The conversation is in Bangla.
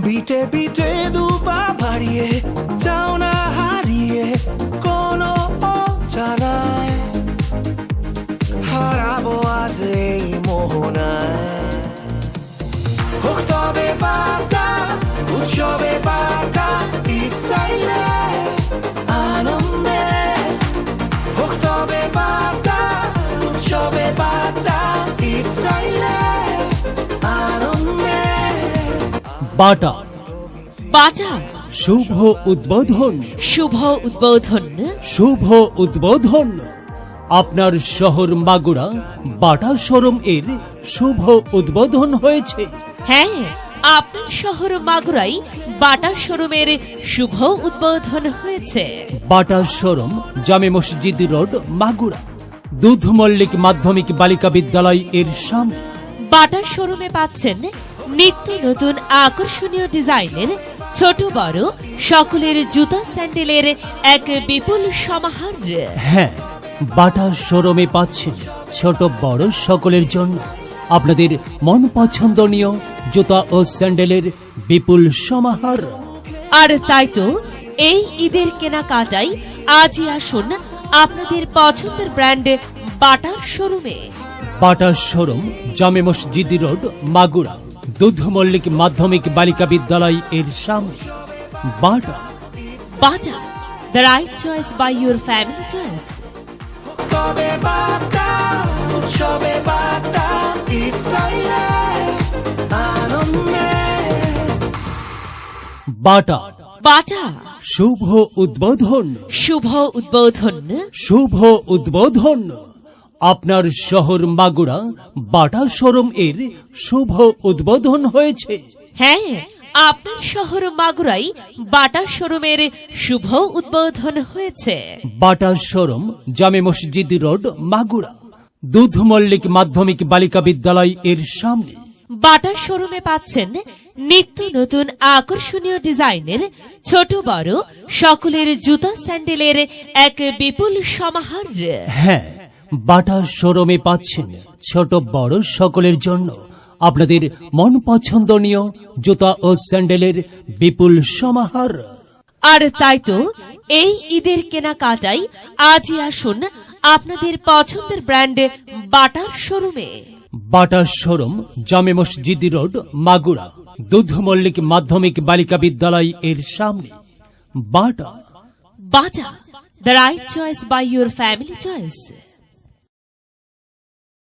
বিটে বিটে দুপা বাড়িয়ে যাও না হারিয়ে কোনো অজানায় হারাবো আজ এই মোহনায় হোক তবে বার্তা উৎসবে বার্তা ইচ্ছাইলে আনন্দে হোক তবে বার্তা উৎসবে বার্তা ইচ্ছাইলে আনন্দে বাটা বাটা শুভ উদ্বোধন শুভ উদ্বোধন শুভ উদ্বোধন আপনার শহর মাগুরা বাটা শোরুম এর শুভ উদ্বোধন হয়েছে। হ্যাঁ, আপনার শহর মাগুরাই বাটা শোরুমের শুভ উদ্বোধন হয়েছে। বাটা শোরুম জামে মসজিদ রোড মাগুরা দুধ মল্লিক মাধ্যমিক বালিকা বিদ্যালয় এর সামনে। বাটা শোরুমে পাচ্ছেন নিত্য নতুন আকর্ষণীয় ডিজাইনের ছোট বড় সকলের জুতা স্যান্ডেলের এক বিপুল সমাহার। হ্যাঁ, বাটা শোরুমে পাচ্ছেন ছোট বড় সকলের জন্য আপনাদের মন পছন্দনীয় জুতা ও স্যান্ডেলের বিপুল সমাহার। আর তাই তো এই ঈদের কেনাকাটাই আজই আসুন আপনাদের পছন্দের ব্র্যান্ড বাটার শোরুমে। বাটা শোরুম জামে মসজিদ রোড মাগুরা দুধ মল্লিক মাধ্যমিক বালিকা বিদ্যালয় এর সামনে। Bata Bata, the right choice by your family choice. তবে বার্তা উৎসবে বার্তা ইচ্ছাইলে আনন্দে বাটা বাটা শুভ উদ্বোধন শুভ উদ্বোধন শুভ উদ্বোধন আপনার শহর মাগুরা বাটা শোরুম এর শুভ উদ্বোধন হয়েছে। হ্যাঁ, আপনার শহর মাগুরাই বাটা শোরুমের শুভ উদ্বোধন হয়েছে। বাটা শোরুম জামে মসজিদ রোড মাগুরা দুধ মল্লিক মাধ্যমিক বালিকা বিদ্যালয় এর সামনে। বাটা শোরুমে পাচ্ছেন নিত্য নতুন আকর্ষণীয় ডিজাইনের ছোট বড় সকলের জুতা স্যান্ডেলের এক বিপুল সমাহার। হ্যাঁ, বাটা শোরুমে পাচ্ছেন ছোট বড় সকলের জন্য আপনাদের মন পছন্দনীয় জুতা ও স্যান্ডেলের বিপুল সমাহার। আর তাই তো এই ঈদের কেনাকাটাই আজই আসুন আপনাদের পছন্দের ব্র্যান্ড বাটার শোরুমে। বাটা শোরুম জামে মসজিদ রোড মাগুরা দুধ মল্লিক মাধ্যমিক বালিকা বিদ্যালয় এর সামনে। Bata Bata, the right choice by your family choice.